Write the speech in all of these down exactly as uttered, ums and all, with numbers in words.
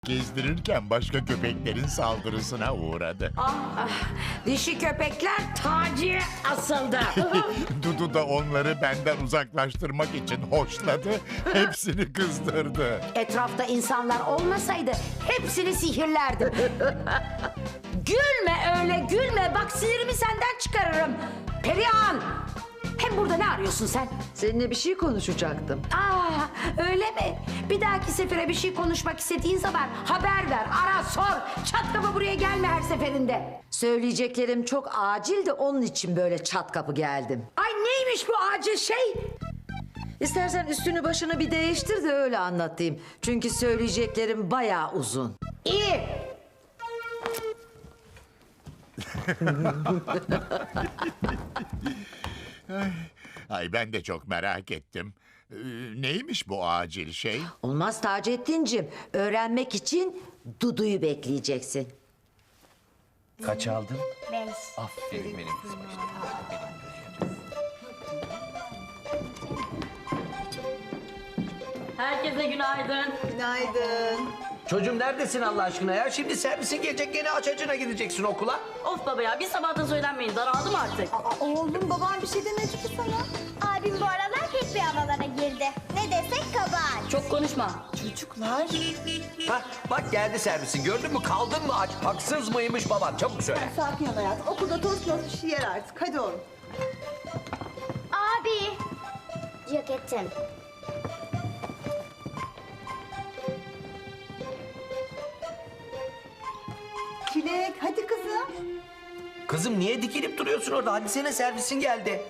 Gezdirirken başka köpeklerin saldırısına uğradı. Ah, ah, dişi köpekler Taci'ye asıldı. Dudu da onları benden uzaklaştırmak için hoşladı, hepsini kızdırdı. Etrafta insanlar olmasaydı hepsini sihirlerdim. Gülme öyle gülme. Bak sinirimi senden çıkarırım. Perihan! Hem burada ne arıyorsun sen? Seninle bir şey konuşacaktım. Aa, öyle mi? Bir dahaki sefere bir şey konuşmak istediğin zaman haber ver, ara, sor. Çat kapı buraya gelme her seferinde. Söyleyeceklerim çok acil de onun için böyle çat kapı geldim. Ay neymiş bu acil şey? İstersen üstünü başını bir değiştir de öyle anlatayım. Çünkü söyleyeceklerim bayağı uzun. İyi. Ay ben de çok merak ettim. Ee, neymiş bu acil şey? Olmaz Taceddin'cim. Öğrenmek için Dudu'yu bekleyeceksin. Kaç aldın? Beş. Aferin benim kızım işte. Herkese günaydın. Çocuğum neredesin Allah aşkına ya? Şimdi servisin gelecek gene aç açına gideceksin okula. Of baba ya bir sabahtan söylenmeyin daraldım artık. Oğlum babam bir şey demedi ki sana. Abim bu aralar hep rüyalara girdi. Ne desek kabahat. Çok konuşma. Ha bak geldi servisin gördün mü kaldın mı aç? Haksız mıymış baban çabuk söyle. Sakin ol hayatım. Okulda tost tost bir şey yer artık. Hadi oğlum. Abi. Ceketim. Çilek hadi kızım. Kızım niye dikilip duruyorsun orada? Hadi sene servisin geldi.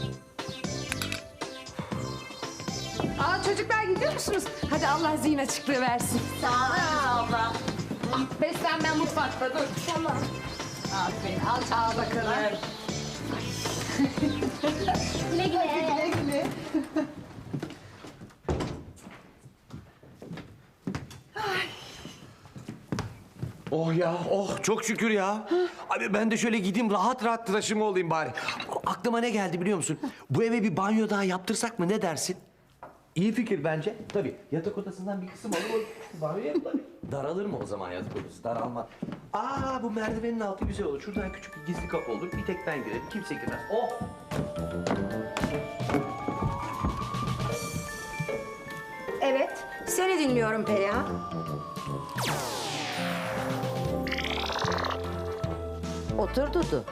Aa çocuklar gidiyor musunuz? Hadi Allah zihin açıklığı versin. Sağ ol abla. Beslenme mutfakta dur. Tamam. Aferin al çağa bakalım. Güle güle. Güle güle. Oh ya oh çok şükür ya. Abi ben de şöyle gideyim rahat rahat tıraşımı olayım bari. Aklıma ne geldi biliyor musun? Bu eve bir banyo daha yaptırsak mı ne dersin? İyi fikir bence. Tabii yatak odasından bir kısım alır o banyo yapılır. Daralır mı o zaman yatak odası? Daralmaz. Aa bu merdivenin altı güzel olur. Şuradan küçük bir gizli kapı olur. Bir tek ben girerim. Kimse girmez. Oh! Evet, seni dinliyorum Perihan. Otur Dudu.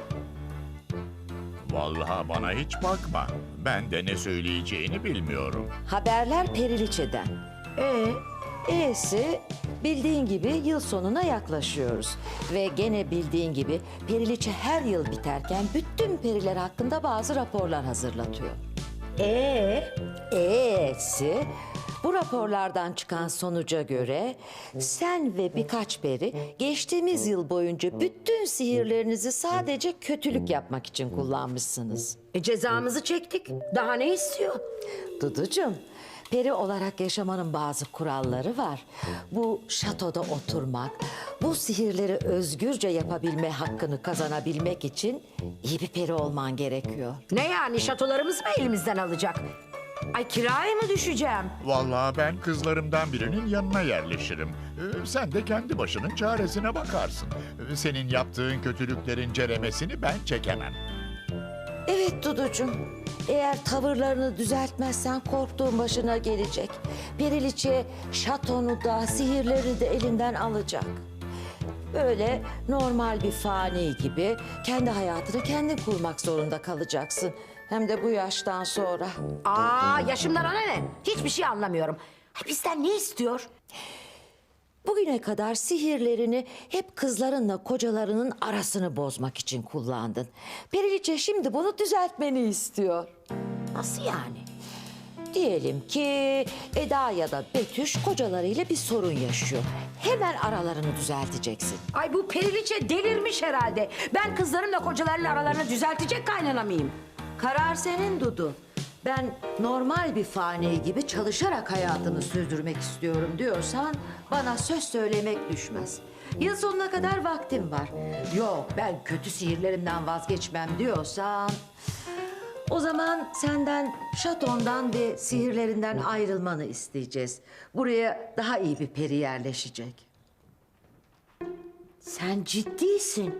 Vallahi bana hiç bakma. Ben de ne söyleyeceğini bilmiyorum. Haberler Periliçe'den. Ee, E'si bildiğin gibi yıl sonuna yaklaşıyoruz. Ve gene bildiğin gibi Periliçe her yıl biterken bütün periler hakkında bazı raporlar hazırlatıyor. Ee, E'si bu raporlardan çıkan sonuca göre sen ve birkaç peri geçtiğimiz yıl boyunca bütün sihirlerinizi sadece kötülük yapmak için kullanmışsınız. e, cezamızı çektik. Daha ne istiyor? Duducuğum, peri olarak yaşamanın bazı kuralları var. Bu şatoda oturmak, bu sihirleri özgürce yapabilme hakkını kazanabilmek için iyi bir peri olman gerekiyor. Ne yani şatolarımızı mı elimizden alacak? Ay kiraya mı düşeceğim? Vallahi ben kızlarımdan birinin yanına yerleşirim. Ee, sen de kendi başının çaresine bakarsın. Ee, senin yaptığın kötülüklerin ceremesini ben çekemem. Evet Duducuğum, eğer tavırlarını düzeltmezsen korktuğun başına gelecek. Periliçe şatonu da sihirlerini de elinden alacak. Böyle normal bir fani gibi kendi hayatını kendin kurmak zorunda kalacaksın. Hem de bu yaştan sonra. Aa yaşımdan ona ne? Hiçbir şey anlamıyorum. Ay, bizden ne istiyor? Bugüne kadar sihirlerini hep kızlarınla kocalarının arasını bozmak için kullandın. Periliçe şimdi bunu düzeltmeni istiyor. Nasıl yani? Diyelim ki Eda ya da Betüş kocalarıyla bir sorun yaşıyor. Hemen aralarını düzelteceksin. Ay bu periliçe delirmiş herhalde. Ben kızlarımla kocalarının aralarını düzeltecek kaynana mıyım? Karar senin Dudu. Ben normal bir fani gibi çalışarak hayatımı sürdürmek istiyorum diyorsan bana söz söylemek düşmez. Yıl sonuna kadar vaktim var. Yok ben kötü sihirlerimden vazgeçmem diyorsan o zaman senden şatondan ve sihirlerinden ayrılmanı isteyeceğiz. Buraya daha iyi bir peri yerleşecek. Sen ciddisin.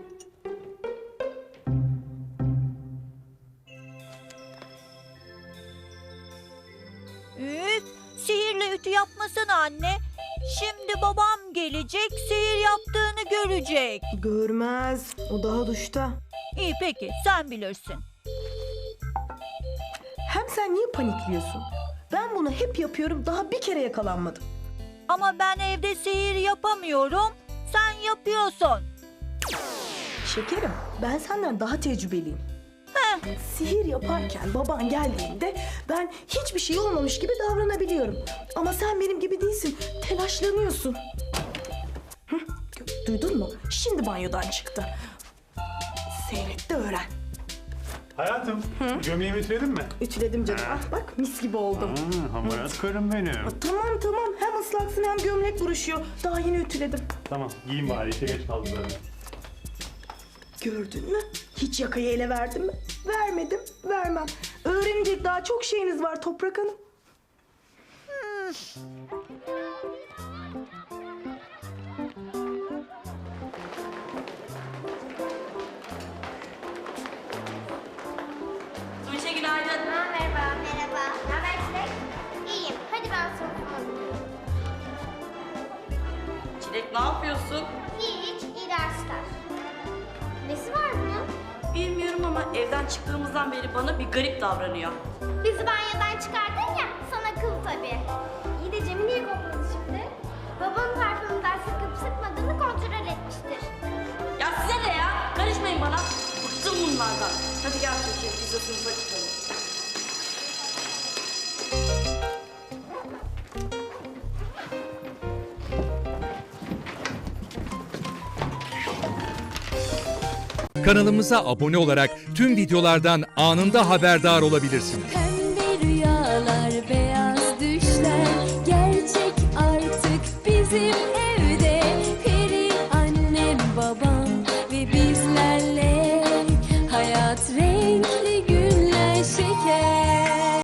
Üf, sihirle ütü yapmasana anne. Şimdi babam gelecek, sihir yaptığını görecek. Görmez. O daha duşta. İyi peki, sen bilirsin. Hem sen niye panikliyorsun? Ben bunu hep yapıyorum. Daha bir kere yakalanmadım. Ama ben evde sihir yapamıyorum, sen yapıyorsun. Şekerim, ben senden daha tecrübeliyim. Sihir yaparken baban geldiğinde ben hiçbir şey olmamış gibi davranabiliyorum. Ama sen benim gibi değilsin. Telaşlanıyorsun. Hı, duydun mu? Şimdi banyodan çıktı. Seyret de öğren. Hayatım, gömleğimi ütüledin mi? Ütüledim canım. Ah bak mis gibi oldum. Aa, hamarat karım benim. Tamam tamam. Hem ıslaksın hem gömlek buruşuyor. Daha yeni ütüledim. Tamam, giyin bari, işe geç kaldım zaten. Gördün mü? Hiç yakayı ele verdim mi? Vermedim, vermem. Öğrenecek daha çok şeyiniz var Toprak Hanım. Tuğçe günaydın. Ha, merhaba. Merhaba. Ne haber Çilek? İyiyim. Hadi ben sınıfıma gidiyorum. Çilek ne yapıyorsun? Hiç, iyi dersler. Nesi var bunun? Bilmiyorum ama evden çıktığımızdan beri bana bir garip davranıyor. Bizi banyodan çıkardın ya, sana kıl tabii. İyi de Cem'i niye kokladı şimdi? Babanın parfümünden sıkıp sıkmadığını kontrol etmiştir. Ya size ne ya? Karışmayın bana. Bıktım bunlardan. Hadi gel Tuğçe, biz de sınıfa çıkalım. Kanalımıza abone olarak tüm videolardan anında haberdar olabilirsiniz.